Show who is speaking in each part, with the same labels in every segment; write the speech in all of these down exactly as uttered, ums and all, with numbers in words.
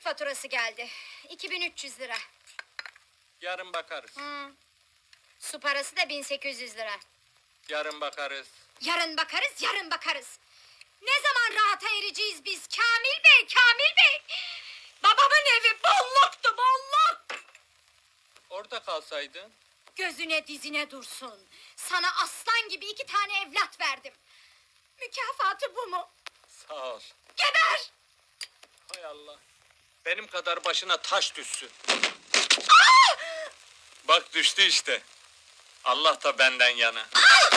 Speaker 1: faturası geldi. iki bin üç yüz lira.
Speaker 2: Yarın bakarız.
Speaker 1: Hı. Su parası da bin sekiz yüz lira.
Speaker 2: Yarın bakarız.
Speaker 1: Yarın bakarız, yarın bakarız. Ne zaman rahata ereceğiz biz Kamil Bey, Kamil Bey? Babamın evi bolluktu, bolluk!
Speaker 2: Orada kalsaydın.
Speaker 1: Gözüne dizine dursun. Sana aslan gibi iki tane evlat verdim. Mükafatı bu mu?
Speaker 2: Sağ ol.
Speaker 1: Geber!
Speaker 2: Hay Allah. Benim kadar başına taş düşsün. Bak düştü işte. Allah da benden yana.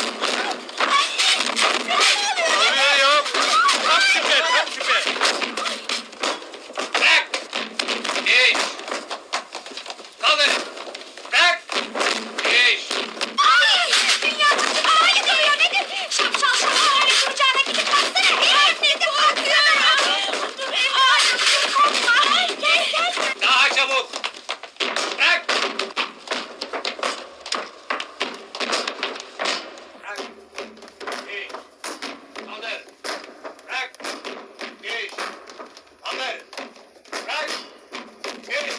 Speaker 2: Ne oluyor ya? Tam süper, tam süper.
Speaker 3: Bırak! Geç! Kaldır! Bırak! Geç!
Speaker 1: Ay! Dünya başıma ay diyor nedir? Şapşal şapşal öyle kucağına gidip baksana. Ay ne de bakıyor. Ay korkma. Ay gel gel.
Speaker 3: Daha çabuk! Bırak! Bırak! Geç! Kaldır! Bırak! Geç! Kaldır! Bırak! Geç!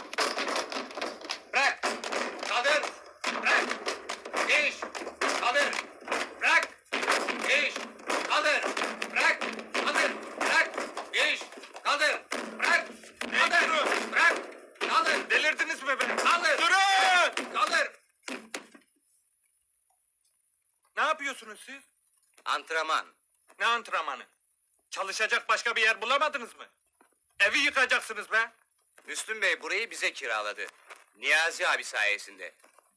Speaker 3: Bırak! Kaldır! Bırak! Geç! Kaldır! Bırak! Geç! Kaldır! Bırak! Kaldır! Bırak! Geç! Kaldır! Bırak! Kaldır! Bırak! Kaldır!
Speaker 2: Delirdiniz mi be?
Speaker 3: Kaldır!
Speaker 2: Durun!
Speaker 3: Kaldır!
Speaker 2: Ne yapıyorsunuz siz?
Speaker 3: Antrenman.
Speaker 2: Ne antrenmanı? Çalışacak başka bir yer bulamadınız mı? Evi yıkacaksınız be.
Speaker 3: Müslüm Bey burayı bize kiraladı. Niyazi abi sayesinde.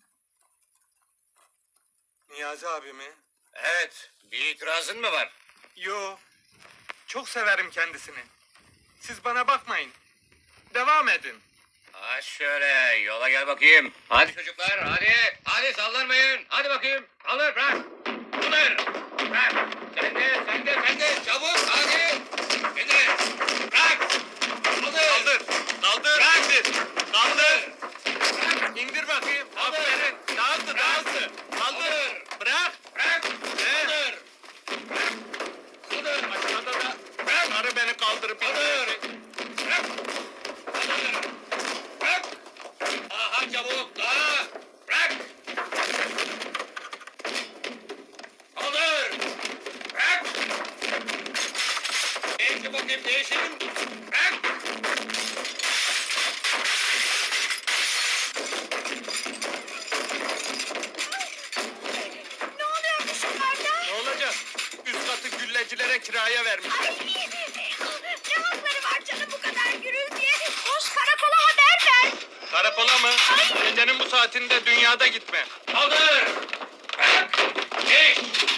Speaker 2: Niyazi abi mi?
Speaker 3: Evet. Bir itirazın mı var?
Speaker 2: Yo. Çok severim kendisini. Siz bana bakmayın. Devam edin.
Speaker 3: Ha şöyle yola gel bakayım. Hadi çocuklar hadi. Hadi sallanmayın. Hadi bakayım. Kaldır bırak. Kaldır. Bırak. Sen de sen de sen de çabuk hadi. İndir. Bırak. Kaldır.
Speaker 2: Kaldır. Kaldır.
Speaker 3: Bırak.
Speaker 2: İndir. Kaldır.
Speaker 3: Bırak.
Speaker 2: İndir bakayım.
Speaker 3: Kaldır.
Speaker 2: Aferin. Daha hızlı, daha
Speaker 3: Bırak.
Speaker 2: hızlı. Kaldır.
Speaker 3: Kaldır.
Speaker 2: Bırak.
Speaker 3: Bırak.
Speaker 2: He.
Speaker 3: Kaldır. Kaldır.
Speaker 2: Aşağıda da
Speaker 3: Bırak.
Speaker 2: karı beni kaldırıp
Speaker 3: Kaldır.
Speaker 2: indirecek.
Speaker 3: Bırak. Kaldır. Bırak. Daha çabuk daha. Bırak. Kaldır. Bırak. Değişin bakayım değişin. Bırak.
Speaker 1: Ne oluyormuş yukarıda?
Speaker 2: Ne olacak? Üst katı güllecilere kiraya vermiş.
Speaker 1: Ay! Ne hakları var canım bu kadar gürültüye? Koş karakola haber ver.
Speaker 2: Karakola mı? Gecenin bu saatinde dünyada gitme.
Speaker 3: Kaldır. Bırak. Geç.